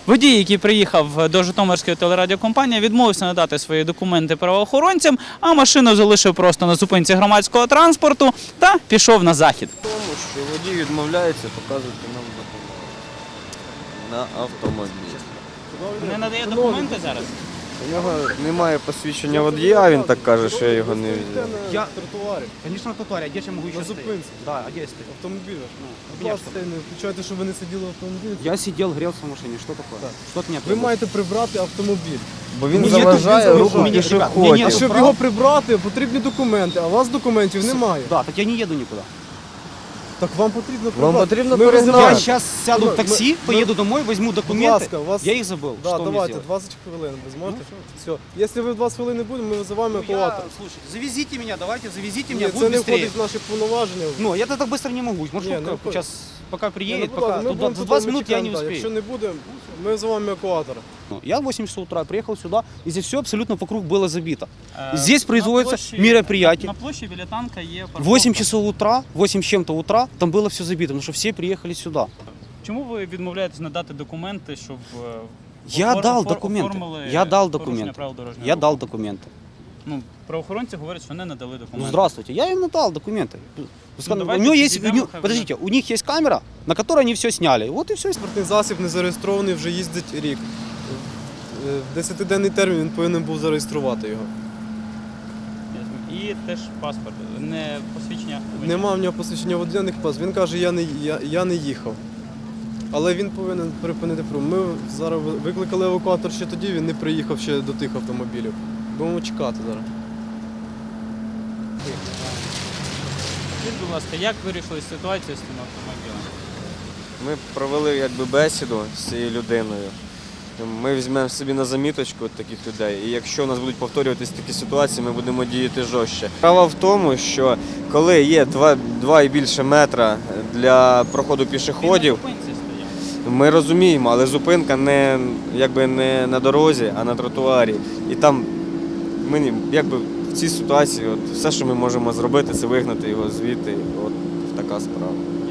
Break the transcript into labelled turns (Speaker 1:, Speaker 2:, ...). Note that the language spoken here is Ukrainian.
Speaker 1: Водій, який приїхав до Житомирської телерадіокомпанії, відмовився надати свої документи правоохоронцям, а машину залишив просто на зупинці громадського транспорту та пішов на захід.
Speaker 2: Тому що водій відмовляється показувати нам документи на автомобіль.
Speaker 1: Не надає документи зараз?
Speaker 2: У нього немає посвідчення водія, він так каже, що я його не взяв.
Speaker 3: Я на тротуарі.
Speaker 4: Конечно, на тротуаре. А где же я могу еще
Speaker 3: На
Speaker 4: стоять?
Speaker 3: зупинці.
Speaker 4: Да, а где я стою?
Speaker 3: Автомобіль. Будь
Speaker 4: меня
Speaker 3: ласка, не включайте, щоб ви не сиділи в автомобілі.
Speaker 4: Я сидел, грелся в машине. Что такое?
Speaker 3: Так.
Speaker 4: Что от меня
Speaker 3: Ви
Speaker 4: требует?
Speaker 3: маєте прибрати автомобіль.
Speaker 2: Бо він
Speaker 4: Ні,
Speaker 2: заважає
Speaker 4: ні,
Speaker 2: руху
Speaker 4: ні, ні,
Speaker 2: пішоходів.
Speaker 4: ні,
Speaker 3: А
Speaker 4: ні,
Speaker 3: щоб
Speaker 4: прав?
Speaker 3: його прибрати, потрібні документи, а у вас документів немає.
Speaker 4: Да, так я не еду никуда.
Speaker 3: Так вам потрібно
Speaker 2: Вам
Speaker 3: прибрати.
Speaker 2: потрібно
Speaker 3: Ми
Speaker 2: перегнати.
Speaker 4: Я
Speaker 3: визиваємо-
Speaker 4: сейчас сяду в такси,
Speaker 3: мы-
Speaker 4: поеду домой, возьму
Speaker 3: Будь
Speaker 4: документы.
Speaker 3: ласка, у вас...
Speaker 4: Я их забыл.
Speaker 3: Да,
Speaker 4: Что мне
Speaker 3: давайте,
Speaker 4: сделать?
Speaker 3: 20 хвилин. Ви зможете? Все. Якщо ви в 20 хвилин не будемо, ми визиваємо
Speaker 4: Ну, я,
Speaker 3: евакуатор.
Speaker 4: слушай, завезите меня, давайте, завезите
Speaker 3: Ні,
Speaker 4: меня,
Speaker 3: це
Speaker 4: будет
Speaker 3: не
Speaker 4: быстрее.
Speaker 3: входить в наші повноваження.
Speaker 4: Ну, я так быстро не могу. Маршрутка
Speaker 3: Не, ну,
Speaker 4: сейчас пока
Speaker 3: Ні,
Speaker 4: приедет,
Speaker 3: ну, будь ласка,
Speaker 4: пока
Speaker 3: ми
Speaker 4: тут
Speaker 3: будемо
Speaker 4: за
Speaker 3: тут,
Speaker 4: 20
Speaker 3: ми
Speaker 4: минут я не
Speaker 3: чекаємо, да. Якщо
Speaker 4: успею.
Speaker 3: не буде, ми визиваємо евакуатора.
Speaker 4: Ну, я в 8 часов утра приехал сюда, и здесь все абсолютно вокруг было забито.
Speaker 1: Е,
Speaker 4: Здесь производятся
Speaker 1: на площі-
Speaker 4: мероприятия.
Speaker 1: На площі біля танка є парковка.
Speaker 4: 8 часов утра, 8 с чем-то утра, там было все забито, потому что все приехали сюда.
Speaker 1: Чому ви відмовляєтесь надати документи, щоб
Speaker 4: Я дал документы.
Speaker 1: оформили
Speaker 4: Я дал
Speaker 1: порушення
Speaker 4: документы.
Speaker 1: правил дорожнього
Speaker 4: Я
Speaker 1: руху?
Speaker 4: дал документы.
Speaker 1: Ну, правоохоронці говорять, що не надали документи.
Speaker 4: Ну, здравствуйте, я им надал документы. У
Speaker 1: давайте
Speaker 4: него есть,
Speaker 1: підійдемо, хай
Speaker 4: подождите, у них есть камера, на которой они все сняли. Вот и все.
Speaker 3: Транспортний засіб не зареєстрований, вже їздить рік. В 10-денний термін він повинен був зареєструвати його.
Speaker 1: Ясно. І теж паспорт, не посвідчення. водія.
Speaker 3: Нема в нього посвідчення водія, не пас. Він каже, я не їхав. Але він повинен припинити пруг. Ми зараз викликали евакуатор ще тоді, він не приїхав ще до тих автомобілів. Будемо чекати зараз.
Speaker 1: Скажіть, будь ласка, як вирішили ситуацію з цим автомобілем?
Speaker 2: Ми провели якби бесіду з цією людиною. Ми візьмемо собі на заміточку таких людей, і якщо у нас будуть повторюватися такі ситуації, ми будемо діяти жорстче. Справа в тому, що коли є 2 і більше метра для проходу пішоходів,
Speaker 1: Він на зупинці стояв.
Speaker 2: ми розуміємо, але зупинка не на дорозі, а на тротуарі. І там ми якби в цій ситуації все, що ми можемо зробити, це вигнати його звідти. От така справа.